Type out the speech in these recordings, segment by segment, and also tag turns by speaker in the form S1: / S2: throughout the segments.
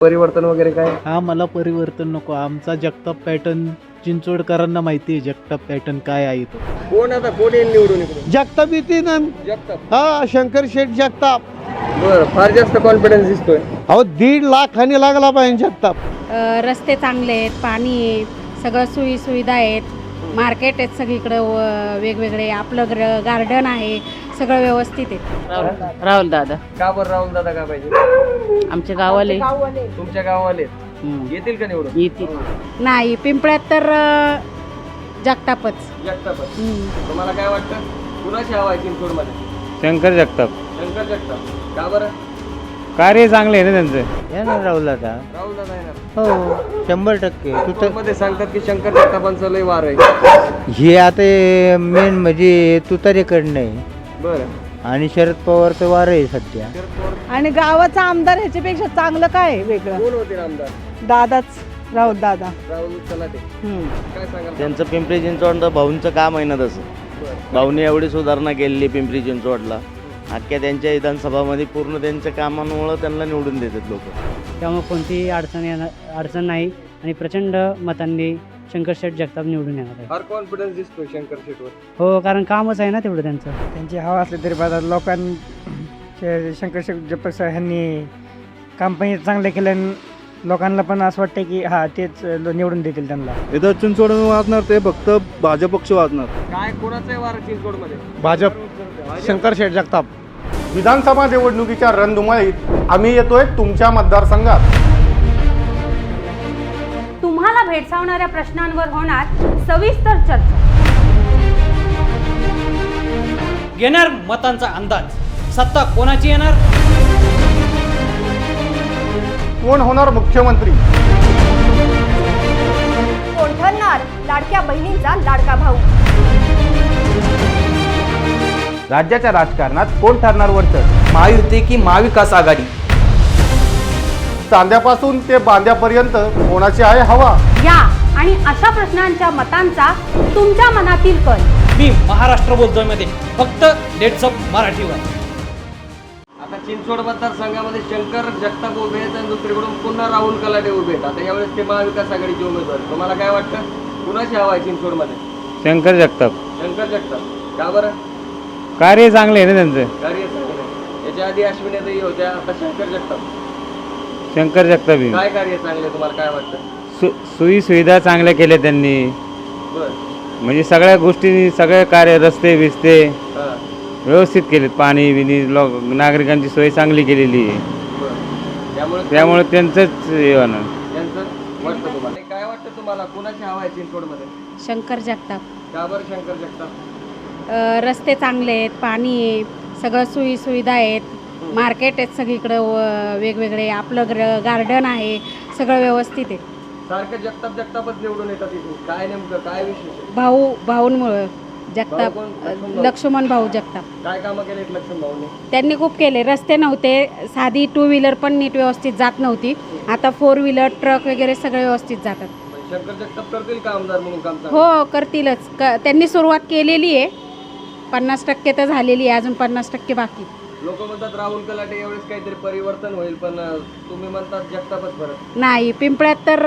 S1: परिवर्तन वगैरे काय?
S2: हा मला परिवर्तन नको. आमचा जगताप पॅटर्न चिंचवडकरांना माहिती आहे. जगताप पॅटर्न काय आहे तो.
S1: कोण येईल निवडून इकडे?
S2: जगताप येते ना.
S1: जगताप.
S2: हा शंकर शेठ जगताप.
S1: बरं, फार जास्त कॉन्फिडन्स दिसतोय.
S2: अहो 1.5 लाख खाणी लागला पाहिजे जगताप.
S3: रस्ते चांगले आहेत, पाणी आहे, सगळं सुविधा आहेत, मार्केट आहेत सगळीकडं वेगवेगळे, आपलं गार्डन आहे, सगळं व्यवस्थित आहे.
S4: राहुल दादा
S1: का बरं राहुल दादा का पाहिजे?
S4: आमच्या गावाले
S1: तुमच्या गावाले येतील का निवडून?
S4: येतील.
S3: नाही पिंपळ्यात तर जगतापच.
S1: जगतापच. तुम्हाला काय वाटतं कुणाची हवा आहे चिंचवडमध्ये?
S5: शंकर जगताप.
S1: शंकर जगताप. का बरं?
S5: कार्य चांगले आहे ना त्यांचं.
S6: येणार राहुल दादा.
S1: राहुल दादा येणार.
S6: हो 100%.
S1: मध्ये सांगतात की शंकर जगतापांचं लय वार आहे.
S6: हे आता मेन म्हणजे तुतारीकडनं आहे
S1: बरं.
S6: आणि शरद पवारचं वार आहे सध्या.
S1: शरद पवार
S7: आणि गावाचा आमदार ह्याच्यापेक्षा चांगलं काय आहे वेगळं?
S1: कोण होते आमदार?
S7: दादाच राहुल दादा.
S1: राहुल चलाटे. काय सांगाल?
S8: त्यांचं पिंपरी चिंचवड भाऊंचं काम आहे ना तसं.
S1: बरं.
S8: भाऊने एवढी सुधारणा केलेली पिंपरी चिंचवडला. अख्ख्या त्यांच्या विधानसभामध्ये पूर्ण त्यांच्या कामांमुळं त्यांना निवडून देतात लोक.
S4: त्यामुळे कोणतीही अडचण नाही आणि प्रचंड मतांनी शंकर शेठ जगताप निवडून येणार आहे.
S1: फार कॉन्फिडन्स दिसतोय शंकर शेटवर.
S4: हो, कारण कामच आहे ना तेवढं त्यांचं.
S9: त्यांची हवा असली तरी लोकांनी शंकर जगताप ह्यांनी काम पण चांगलं केलं. लोकांना पण असं वाटतं की हा तेच निवडून देतील त्यांना.
S5: इथं चिंचवड वाजणार ते फक्त भाजप पक्ष वाजणार.
S1: काय कोणाचं आहे वार चिंचवडमध्ये?
S5: भाजप. शंकर शेठ जगताप. विधानसभा निवडणुकीच्या रणधुमाळीत आम्ही येतोय तुमच्या मतदारसंघात.
S10: तुम्हाला भेडसावणाऱ्या प्रश्नांवर होणार सविस्तर चर्चा.
S11: घेणार मतांचा अंदाज. सत्ता कोणाची येणार?
S5: कोण होणार मुख्यमंत्री?
S10: कोण ठरणार लाडक्या बहिणींचा लाडका भाऊ?
S6: राज्याच्या राजकारणात कोण ठरणार वरचढ?
S11: महायुती की महाविकास आघाडी?
S5: चांद्यापासून ते बांद्यापर्यंत कोणाची आहे हवा?
S10: या आणि अशा प्रश्नांच्या मतांचा तुमच्या मनातील कल.
S11: मी महाराष्ट्र बोलतोय मध्ये फक्त डेट्स ऑफ मराठीवर.
S1: आता चिंचवड मतदारसंघामध्ये शंकर जगताप उभे आहेत आणि दुसरीकडून पुन्हा राहुल कलाटे उभे आहेत. आता यावेळेस ते महाविकास आघाडीचे उमेदवार. तुम्हाला काय वाटतं कुणाची हवा आहे चिंचवडमध्ये?
S5: शंकर जगताप.
S1: शंकर जगताप. का बरं?
S5: कार्य चांगले आहे ना त्यांचं.
S1: कार्य चांगलं आहे. याच्या आधी अश्विनीताई होत्या, आता शंकर जगताप.
S5: शंकर जगताप
S1: काय कार्य चांगले तुम्हाला काय वाटतं?
S5: सोयी सुविधा चांगल्या केल्या त्यांनी.
S1: बरं.
S5: म्हणजे सगळ्या गोष्टी सगळे कार्य रस्ते बिस्ते
S1: हां.
S5: व्यवस्थित केलेत. पाणी बिनी नागरिकांची सोय चांगली केलेली आहे.
S1: बरं.
S5: त्यामुळे त्यांचंच हे होणार.
S1: त्यांचं वाटतं तुम्हाला? काय वाटतं तुम्हाला कुणाची हवा आहे चिंचवडमध्ये?
S3: शंकर जगताप.
S1: का बरं शंकर जगताप?
S3: रस्ते चांगले आहेत, पाणी आहे, सगळं सुविधा आहेत, मार्केट आहेत सगळीकडं वेगवेगळे, आपलं गार्डन आहे, सगळं व्यवस्थित आहे.
S1: सारखं जगतापच निवडून येतात इथून. काय नेमकं काय विशेष आहे?
S3: भाऊंमुळं जगताप.
S1: भाऊ कोण?
S3: लक्ष्मण भाऊ जगताप.
S1: काय कामं केलेत लक्ष्मण भाऊने?
S3: त्यांनी खूप केले. रस्ते नव्हते, साधी 2 व्हीलर पण नीट व्यवस्थित जात नव्हती. आता 4 व्हीलर ट्रक वगैरे सगळे व्यवस्थित जातात.
S1: शंकर जगताप करतील का आमदार म्हणून काम चांगलं?
S3: हो करतीलच. त्यांनी सुरुवात केलेली आहे. 50% तर झालेली आहे, अजून 50% बाकी.
S1: लोक म्हणतात राहुल कलाटे यावेळेस काहीतरी परिवर्तन होईल, पण तुम्ही म्हणतात जगतापच परत.
S3: नाही पिंपळ्यात तर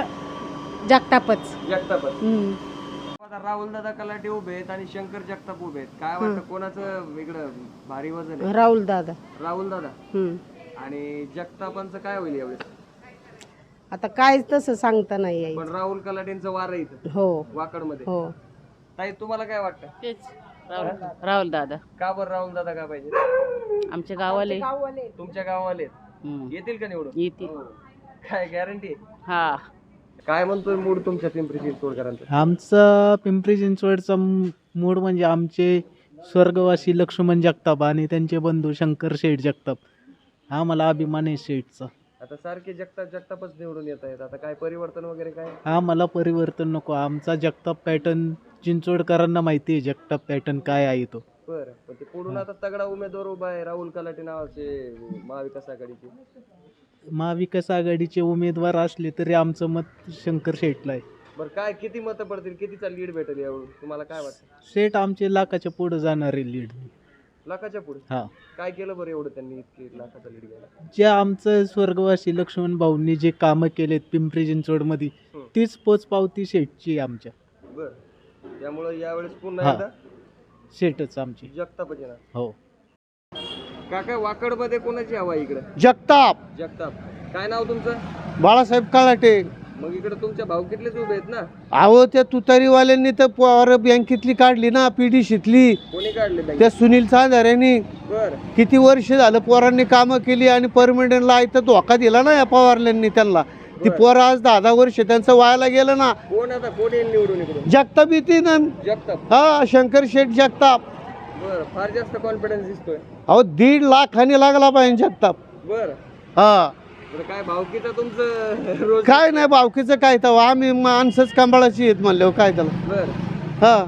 S3: जगतापच.
S1: जगतापच. राहुल दादा कलाटे उभे आहेत आणि शंकर जगताप उभे आहेत. काय वाटतं कोणाचं वेगळं भारी वजन आहे?
S7: राहुल दादा.
S1: राहुल दादा. आणि जगतापांचं काय होईल यावेळेस?
S7: आता काय तसं सांगता नाही येईल.
S1: पण राहुल कलाटेंचं वार आहे इथं
S7: हो
S1: वाकडमध्ये.
S7: हो.
S1: ताई तुम्हाला काय वाटतं?
S4: तेच राहुल दादा.
S1: का बरं राहुल दादा का पाहिजे?
S4: आमच्या गावाले
S1: तुमच्या गावाले येतील का निवडून?
S4: येतील.
S1: काय गॅरंटी?
S4: हा.
S1: काय म्हणतोय मूड तुमच्या पिंपरी चिंचवडकरांचा?
S2: आमचा पिंपरी चिंचवडचा मूड म्हणजे आमचे स्वर्गवासी लक्ष्मण जगताप आणि त्यांचे बंधू शंकर शेठ जगताप. हा मला अभिमान आहे शेठचा.
S1: आता सारखे जगतापच निवडून येत आहेत. आता काय परिवर्तन वगैरे काय?
S2: हा मला परिवर्तन नको. आमचा जगताप पॅटर्न चिंचवडकरांना माहिती आहे. जगताप पॅटर्न काय आहे तो.
S1: बरं. पण ते पुढून आता तगडा उमेदवार उभा आहे राहुल कलाटे नावाचे महाविकास आघाडीचे.
S2: महाविकास आघाडीचे उमेदवार असले तरी आमचं मत शंकर शेठला आहे.
S1: बरं काय किती मतं पडतील? कितीचा लीड भेटेल यावरून तुम्हाला काय वाटतं?
S2: शेठ आमचे लाखाच्या पुढे जाणारे लीड.
S1: लाखाच्या पुढे
S2: हा.
S1: काय केलं बरं एवढं त्यांनी इतके लाखाचा लीड घ्यायला?
S2: जे आमचं स्वर्गवासी लक्ष्मण भाऊंनी जे कामं केलेत पिंपरी चिंचवडमध्ये तीच पोचपावती शेठची आहे आमच्या.
S1: बरं, त्यामुळे यावेळेस पुन्हा
S2: हा.
S1: एकदा
S2: शेठच आमची.
S1: जगतापच येणार.
S2: हो.
S1: काका वाकडमध्ये कोणाची हवा आहे इकडे?
S5: जगताप.
S1: जगताप. काय नाव तुमचं?
S5: बाळासाहेब कलाटे.
S1: मग इकडे तुमच्या भाऊकीतलेच उभे आहेत ना?
S5: अहो त्या तुतारीवाल्यांनी तर पोरं बँकेतली काढली ना, PDCतली.
S1: कोणी काढले बँक?
S5: त्या सुनील चांदाऱ्यांनी
S1: बर.
S5: किती वर्ष झालं पोरांनी कामं केली आणि परमनंटला इथं धोका दिला ना या पवारल्यांनी त्यांना. ती पोरं आज 10 वर्ष त्यांचं व्हायला गेलं ना.
S1: कोण आता कोण येईल निवडून इकडून?
S5: जगताप येते ना.
S1: जगताप.
S5: हा, शंकर शेठ जगताप.
S1: बर, फार जास्त कॉन्फिडन्स दिसतोय.
S5: अहो 1.5 लाखाने लागला पाहिजे जगताप.
S1: बर.
S5: हा.
S1: बरं, काय भाऊकीचं तुमचं रोज?
S5: काय नाही बावकीचं काय तर आम्ही माणसंच कंबाळाची आहेत म्हणलं काय त्याला.
S1: बर.
S5: हा.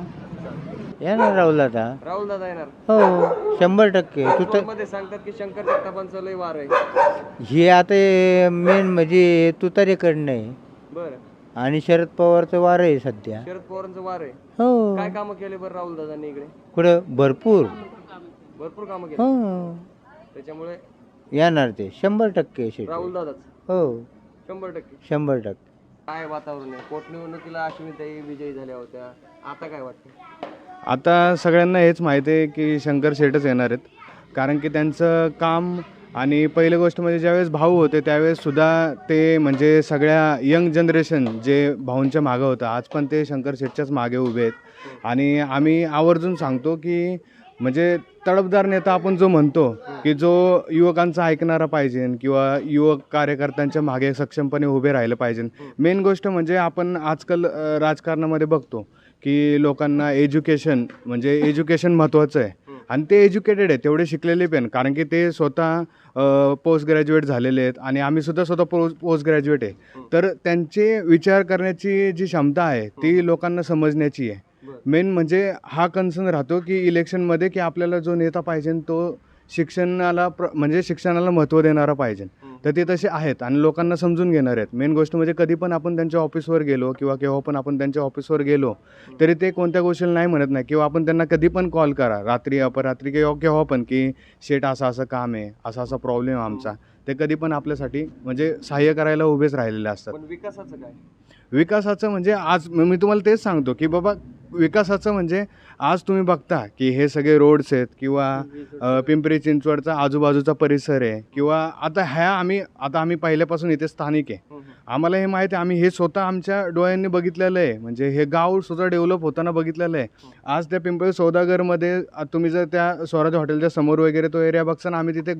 S9: येणार राहुल दादा.
S1: राहुल दादा येणार.
S9: हो 100%.
S1: मध्ये सांगतात की शंकर जगतापांचं लय वार आहे.
S9: हे आता मेन म्हणजे तुतारीकडनं आहे
S1: बर.
S9: आणि शरद पवारचं वार आहे सध्या.
S1: शरद पवारांचं वार आहे.
S9: हो.
S1: काय कामं केले बरं राहुल दादांनी इकडे?
S9: कुठं भरपूर.
S1: भरपूर कामं केली.
S9: हो
S1: त्याच्यामुळे
S9: येणार ते 100% शेट.
S1: राहुल दादाच.
S9: हो
S1: 100%.
S9: 100%.
S1: काय वातावरण आहे? पोटनिवडणुकीला अश्विनीताई विजयी झाल्या होत्या, आता काय वाटतं?
S12: आता सगळ्यांना हेच माहिती आहे की शंकर शेठच येणार आहेत, कारण की त्यांचं काम आणि पहिली गोष्ट म्हणजे ज्यावेळेस भाऊ होते त्यावेळेस सुद्धा ते म्हणजे सगळ्या यंग जनरेशन जे भाऊंच्या मागं होतं आज पण ते शंकर शेठच्याच मागे उभे आहेत. आणि आम्ही आवर्जून सांगतो की म्हणजे तडफदार नेता आपण जो म्हणतो की जो युवकांचा ऐकणारा पाहिजे किंवा युवक कार्यकर्त्यांच्या मागे सक्षमपणे उभे राहिलं पाहिजे. मेन गोष्ट म्हणजे आपण आजकाल राजकारणामध्ये बघतो की लोकांना एज्युकेशन म्हणजे एज्युकेशन महत्त्वाचं आहे आणि ते एज्युकेटेड आहे, तेवढे शिकलेले पण, कारण की ते स्वतः पोस्ट ग्रॅज्युएट झालेले आहेत आणि आम्ही स्वतः पोस्ट ग्रॅज्युएट आहे. तर त्यांचे विचार करण्याची जी क्षमता आहे ती लोकांना समजण्याची आहे. मेन म्हणजे हा कन्सर्न राहतो की इलेक्शनमध्ये की आपल्याला जो नेता पाहिजे तो शिक्षणाला म्हणजे शिक्षणाला महत्त्व देणारा पाहिजे. तर ते तसे आहेत आणि लोकांना समजून घेणार आहेत. मेन गोष्ट म्हणजे कधी पण आपण त्यांच्या ऑफिसवर गेलो किंवा केव्हा पण आपण त्यांच्या ऑफिसवर गेलो तरी ते कोणत्या गोष्टीला नाही म्हणत नाही, किंवा आपण त्यांना कधी पण कॉल करा रात्री अपरात्री किंवा केव्हा पण की शेठ असं काम आहे, असा प्रॉब्लेम आमचा, ते कधी पण आपल्यासाठी म्हणजे सहाय्य करायला उभेच राहिलेले असतात.
S1: पण विकासाचं काय?
S12: विकासाचं म्हणजे आज मी तुम्हाला तेच सांगतो की बाबा विकासाचं म्हणजे आज तुम्ही बघता की हे सगळे रोड्स आहेत किंवा पिंपरी चिंचवडचा आजूबाजूचा परिसर आहे किंवा आता आम्ही पहिल्यापासून इथे स्थानिक आहे, आम्हाला हे माहिती आहे, आम्ही हे स्वतः आमच्या डोळ्यांनी बघितलेलं आहे. म्हणजे हे गाव स्वतः डेव्हलप होताना बघितलेलं आहे. आज त्या पिंपरी सौदागरमध्ये तुम्ही जर त्या स्वराज हॉटेलच्या समोर वगैरे तो एरिया बघताना आम्ही तिथे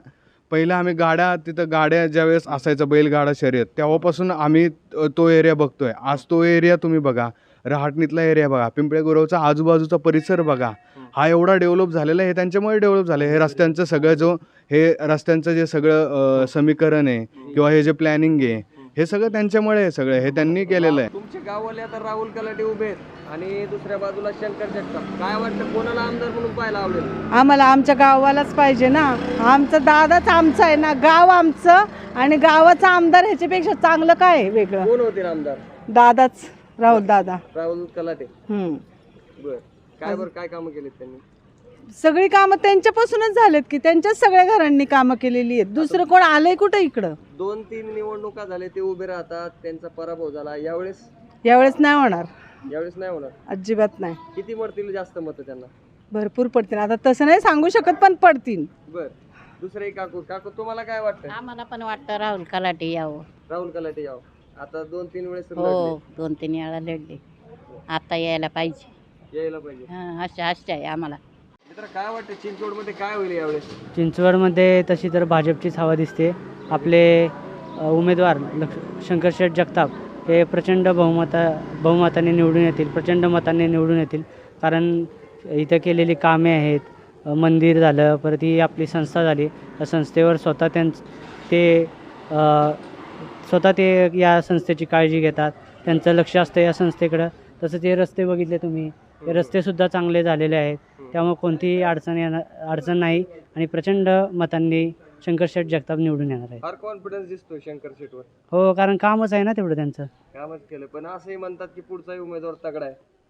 S12: तिथं गाड्या ज्यावेळेस असायचं बैलगाडा शर्यत तेव्हापासून आम्ही तो एरिया बघतोय. आज तो एरिया तुम्ही बघा, रहाटणीतला एरिया बघा, पिंपळे गुरवचा आजूबाजूचा परिसर बघा, हा एवढा डेव्हलप झालेला आहे. हे त्यांच्यामुळे डेव्हलप झालं. हे रस्त्यांचं जे सगळं समीकरण आहे किंवा हे जे प्लॅनिंग आहे हे सगळं त्यांच्यामुळे आहे. सगळं हे त्यांनी केलेलं आहे.
S1: तुमचे गाववाले आता राहुल कलाटे उभे आहेत आणि दुसऱ्या बाजूला शंकर जगताप, काय वाटतं कोणाला आमदार म्हणून पाहायला आवडेल?
S7: आम्हाला आमच्या गावालाच पाहिजे ना. आमचा दादाच आमचा आहे ना, गाव आमचं आणि गावाचा आमदार ह्याच्यापेक्षा चांगलं काय आहे वेगळं?
S1: कोण होतील आमदार?
S7: दादाच, राहुल दादा.
S1: राहुल कलाटे. बर. काय कामं केलीत त्यांनी?
S7: सगळी कामं त्यांच्यापासूनच झालेत की त्यांच्याच सगळ्या घरांनी कामं केलेली आहेत. दुसरं कोण आलंय कुठं इकडं?
S1: 2-3 निवडणुका झाले ते उभे राहतात, त्यांचा पराभव झाला.
S7: यावेळेस नाही होणार.
S1: यावेळेस नाही होणार,
S7: अजिबात नाही.
S1: किती मरतील जास्त मतं त्यांना?
S7: भरपूर पडतील. आता तसं नाही सांगू शकत पण पडतील.
S1: बर. दुसरे काकू तुम्हाला काय वाटतं?
S3: आम्हाला पण वाटतं राहुल कलाटे यावं.
S1: राहुल कलाटे यावं. आता 2-3 वेळेस
S3: हो 2-3 वेळा लढले, आता यायला पाहिजे.
S1: यायला पाहिजे.
S3: आशा आहे आम्हाला.
S1: मित्र काय वाटतं चिंचवडमध्ये काय होईल यावेळेस?
S4: चिंचवडमध्ये तशी तर भाजपचीच हवा दिसते. आपले उमेदवार शंकर शेठ जगताप हे प्रचंड बहुमताने निवडून येतील, प्रचंड मताने निवडून येतील. कारण इथं केलेली कामे आहेत, मंदिर झालं, परत ही आपली संस्था झाली, त्या संस्थेवर स्वतः ते या संस्थेची काळजी घेतात, त्यांचं लक्ष असतं या संस्थेकडं. तसंच हे रस्ते बघितले तुम्ही, हे रस्तेसुद्धा चांगले झालेले आहेत, त्यामुळे कोणतीही अडचण नाही आणि प्रचंड मतांनी शंकर शेठ जगताप निवडून येणार आहे.
S1: फार कॉन्फिडन्स दिसतो शंकर शेठवर.
S4: हो, कारण कामच आहे ना तेवढं त्यांचं.
S1: कामच केलं, पण असंही म्हणतात की पुढचाही उमेदवार तगडा आहे.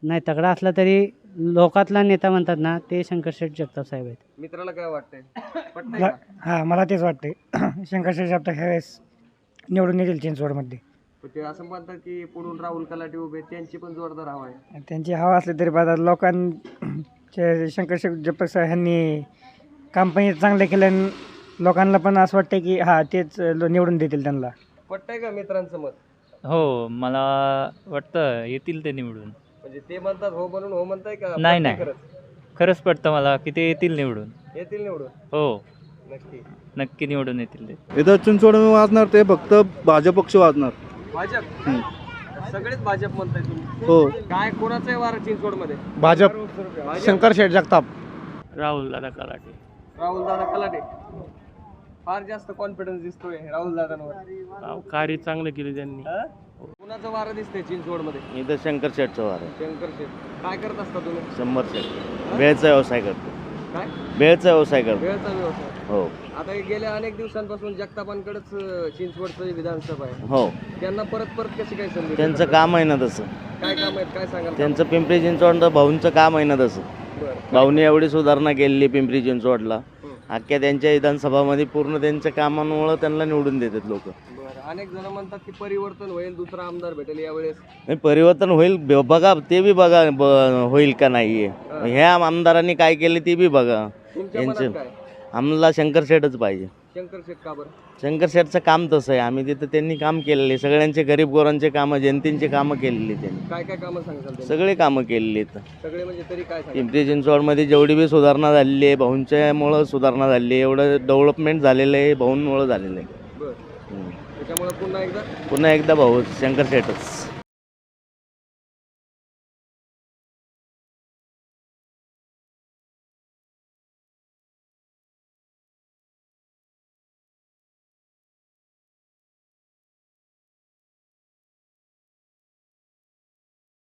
S4: नाही तगडा असला तरी लोकातला नेता म्हणतात ना ते शंकर शेठ जगताप साहेब आहेत.
S1: मित्राला काय वाटतंय पटतंय का?
S9: हां मला तेच वाटते शंकरशेठ जगताप ह्यावेळेस निवडून येतील चिंचवडमध्ये.
S1: पण ते असं म्हणतात की पुढून राहुल कलाटे उभे आहेत, त्यांची पण जोरदार हवा आहे.
S9: त्यांची हवा असली तरी आता लोकांचे शंकरशेठ जगताप साहेब ह्यांनी काम पण चांगलं केलं आणि लोकांना पण असं वाटतं की हां तेच निवडून देतील त्यांना.
S1: पटतंय का मित्रांचं मत?
S13: हो मला वाटतं येतील ते निवडून.
S1: म्हणजे ते म्हणतात हो म्हणून हो म्हणताय का?
S13: नाही
S1: पटतंय
S13: नाही
S1: खरंच?
S13: खरंच पडतं मला की ते येतील निवडून.
S1: येतील निवडून
S13: हो
S1: नक्की.
S13: नक्की निवडून येतील ते.
S12: इथं चिंचवड वाजणार ते फक्त भाजप पक्ष वाजणार.
S1: भाजप सगळेच भाजप म्हणताय तुम्ही?
S12: हो
S1: काय कोणाचं आहे वार चिंचवड मध्ये?
S5: भाजप शंकरशेठ जगताप.
S13: राहुल दादा कलाटे.
S1: राहुल दादा कलाटे फार जास्त कॉन्फिडन्स दिसतोय राहुल दादांवर.
S13: कार्य चांगलं केलं त्यांनी.
S1: कुणाचं वारं दिसतंय चिंचवड मध्ये?
S8: इथं शंकर शेठचं वार आहे.
S1: शंकर शेठ. काय करत असता तुम्ही?
S8: शंभर शेठ बेळचा व्यवसाय करतो.
S1: काय
S8: बेळचा व्यवसाय करतो.
S1: वेळचा व्यवसाय.
S8: हो
S1: आता हे गेल्या अनेक दिवसांपासून जगतापांकडेच चिंचवडचं विधानसभा आहे.
S8: हो
S1: त्यांना परत परत कशी काय संधी?
S8: त्यांचं काम आहे ना तसं.
S1: काय काम आहेत काय सांगाल?
S8: त्यांचं पिंपरी चिंचवड भाऊंचं काम आहे ना तसं.
S1: बरं.
S8: भाऊने एवढी सुधारणा केलेली पिंपरी चिंचवडला. अख्ख्या त्यांच्या विधानसभामध्ये पूर्ण त्यांच्या कामांमुळं त्यांना निवडून देतात लोक.
S1: बरं. अनेक जण म्हणतात की परिवर्तन होईल, दुसरा आमदार भेटेल यावेळेस.
S8: नाही परिवर्तन होईल बघा ते बी बघा होईल का नाही. ह्या आमदारांनी काय केले ते बी बघा.
S1: तुमच्या
S8: यांचं
S1: मनात काय?
S8: आम्हाला शंकर शेठच पाहिजे.
S1: शंकर शेठ का बरं?
S8: शंकर शेठचं काम तसं आहे. आम्ही तिथं त्यांनी काम केलेले सगळ्यांचे गरीब गोरांचे कामं जनतेचे कामं केलेली त्यांनी.
S1: काय काय कामं सांगाल त्यांनी?
S8: सगळे कामं केलेली आहेत.
S1: सगळे म्हणजे तरी काय सांगाल?
S8: पिंपरी चिंचवडमध्ये जेवढी बी सुधारणा झालेली आहे भाऊंच्यामुळं सुधारणा झालेली आहे. एवढं डेव्हलपमेंट झालेलं आहे भाऊंमुळं झालेलं आहे.
S1: बरं. त्याच्यामुळे पुन्हा एकदा
S8: पुन्हा एकदा भाऊ शंकर शेठच.